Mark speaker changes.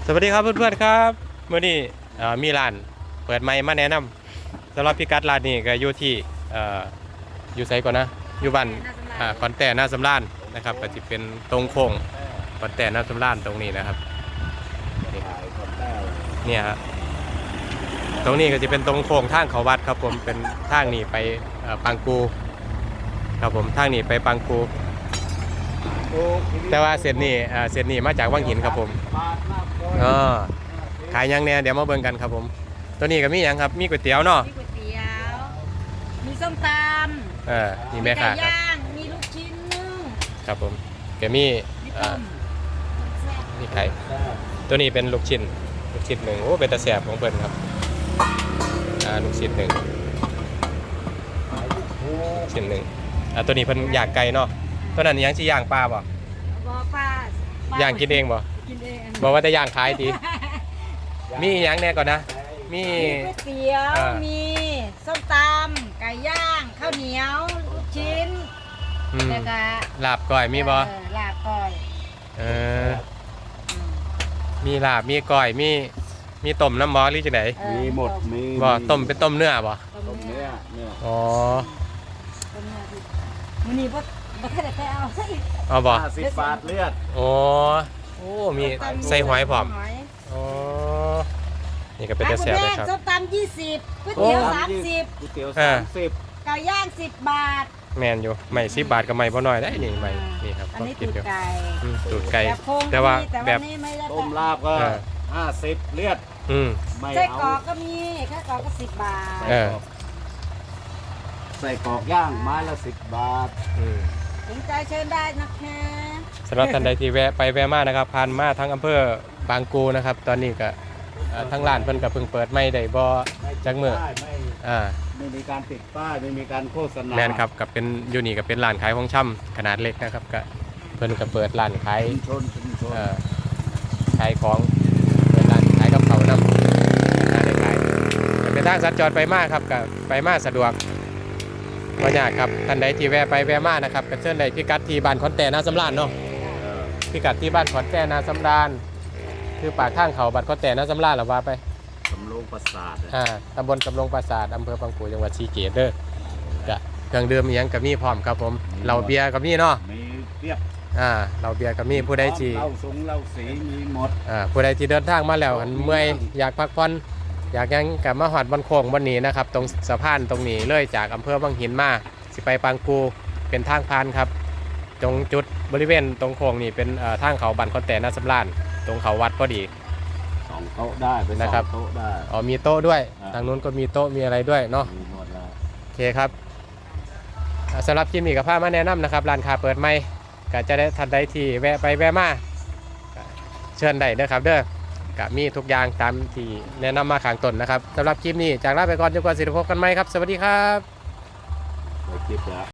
Speaker 1: สวัสดีครับเพื่อนๆครับเมื่อนี้มีร้านเปิดใหม่มาแนะนำสำหรับพิกัดร้านนี้ก็อยู่ที่อยู่ไสก่อนนะอยู่บ้านขอนแต่หน้าสำราญนะครับก็จะเป็นตรงโค้งขอนแต่หน้าสำราญตรงนี้นะครับเนี่ยฮะตรงนี้ก็จะเป็นตรงโค้งทางเขาวัดครับผมเป็นทางนี้ไปปังกูครับผมทางนี้ไปปังกูแต่ว่าเส้นนี้มาจากวังหินครับผมขายยังเนี่ยเดี๋ยวมาเบิ่งกันครับผมตัวนี้ก็มียังครับมีก๋วยเตี๋ยวเนาะ
Speaker 2: มีก๋วยเตี๋ยวมีส้มตำ
Speaker 1: มีแม่ค้าครับ
Speaker 2: มีลูกชิ้นนึ่ง
Speaker 1: ครับผมก็มีมีไข่ตัวนี้เป็นลูกชิ้นหนึ่งโอ้เป็นตะแสบของเพิ่นครับลูกชิ้นหนึ่งตัวนี้เพิ่นย่างไก่เนาะตัวนั้นยังสิย่างปลาบ่ย่างกินเองบ่บอกว่าจะย่างขายดีมีอย่างแน่ก่อนนะมี
Speaker 2: ก๋วยเตี๋ยวมีส้มตำไก่ย่างข้าวเหนียวลูกชิ้นแล้วก็
Speaker 1: ลาบก้อยมีบ่
Speaker 2: ลาบก้อย
Speaker 1: มีลาบมีก้อยมีต้มน้ำบ่หรือจังได๋
Speaker 3: มีหมดมี
Speaker 1: บ่ต้มเป็นต้มเนื้อบ่
Speaker 3: ต้มเนื้อ
Speaker 1: อ๋อ
Speaker 2: ต้มเนื้อมื้อนี้บ่ทันได้เอาซะอีก
Speaker 1: เอาบ่
Speaker 3: 50 บาทเลือด
Speaker 1: โอ้มีใส่หอยพร้อมอ๋อนี่ก็เป็นตะแสบเลยครับ
Speaker 2: ส้มตำ20ก๋วยเตี๋ยว30
Speaker 3: ก๋วยเตี๋ยว30
Speaker 2: ไก่ย่าง10 บาท
Speaker 1: แมนอยู่ไม่10 บาทก็ไม่บ่น้อยได้นี่ไม่นี่ครับ
Speaker 2: ก็กินอยู่
Speaker 1: ตูดไก่แต่ว่าแบบ
Speaker 3: ต้มลาบก็50เลือด
Speaker 2: ไม่เอาไส้กรอกก็มีไส้กรอกก็10 บาท
Speaker 3: ใส่กรอกย่างไม้ละ10 บาท
Speaker 2: สนใจเชิญได้นะคะ
Speaker 1: สำหรับท่านใดที่แวะไปแวะมานะครับผ่านมาทั้งอำเภอบางกูนะครับตอนนี้ก็ทั้งร้านเพิ่นก็เพิ่งเปิดไม่ได้บ่จักมื้อ
Speaker 3: ไม่มีการติดป้ายไม่มีการโฆษณา
Speaker 1: แม่นครับกับเป็นอยู่นี่ก็เป็นร้านขายของชำขนาดเล็กนะครับก็เพิ่นก็เปิดร้านขายขายของเปิดร้านขายกับเขาวนำได้ขายเป็นทางสัญจรไปมาครับก็ไปมาสะดวกบ่ยากครับท่านใดที่แวะไปแวะมานะครับก็เชิญได้พิกัดที่บ้านขอนแต่นาสำราญเนาะพิกัดที่บ้านขอนแต่นาสำราญคือปากทางเขาบ้านขอนแต่นาสำราญหรือว่าไป
Speaker 3: สำโรงปราสาท
Speaker 1: ตำบลสำโรงปราสาทอำเภอปังกูจังหวัดศรีสะเกษเด้อเครื่องดื่มยังกับมีพร้อมครับผมเหล้าเบียร์กับมีเนาะ
Speaker 3: มีเรียบ
Speaker 1: เหล้าเบียร์กับมีผู้ใดที่
Speaker 3: เหล้าสงเหล้าสีมีหมด
Speaker 1: ผู้ใดที่เดินทางมาแล้วเมื่อยอยากพักผ่อนอยากยังกับมาหอดบนโค้งบนนี้นะครับตรงสะพานตรงนี้เลยจากอำเภอวังหินมาสิไปปังกูเป็นทางผ่านครับตรงจุดบริเวณตรงโค้งนี่เป็นทางเขาบ้านขอนแต่นาสำราญตรงเขาวัดพอดี
Speaker 3: 2 โต๊ะได้ไป2 โต๊ะได้
Speaker 1: มีโต๊ะด้วยทางนู้นก็มีโต๊ะมีอะไรด้วยเนาะโอเคครับสำหรับคลิปนี้กับพามาแนะนำนะครับร้านค้าเปิดใหม่ก็จะได้ทันใดที่แวะไปแวะมาเชิญได้เด้อครับเด้อก็มีทุกอย่างตามที่แนะนำมาข้างต้นนะครับสำหรับคลิปนี้จากลาไปก่อนจนกว่าจะพบกันใหม่ครับสวัสดีครับ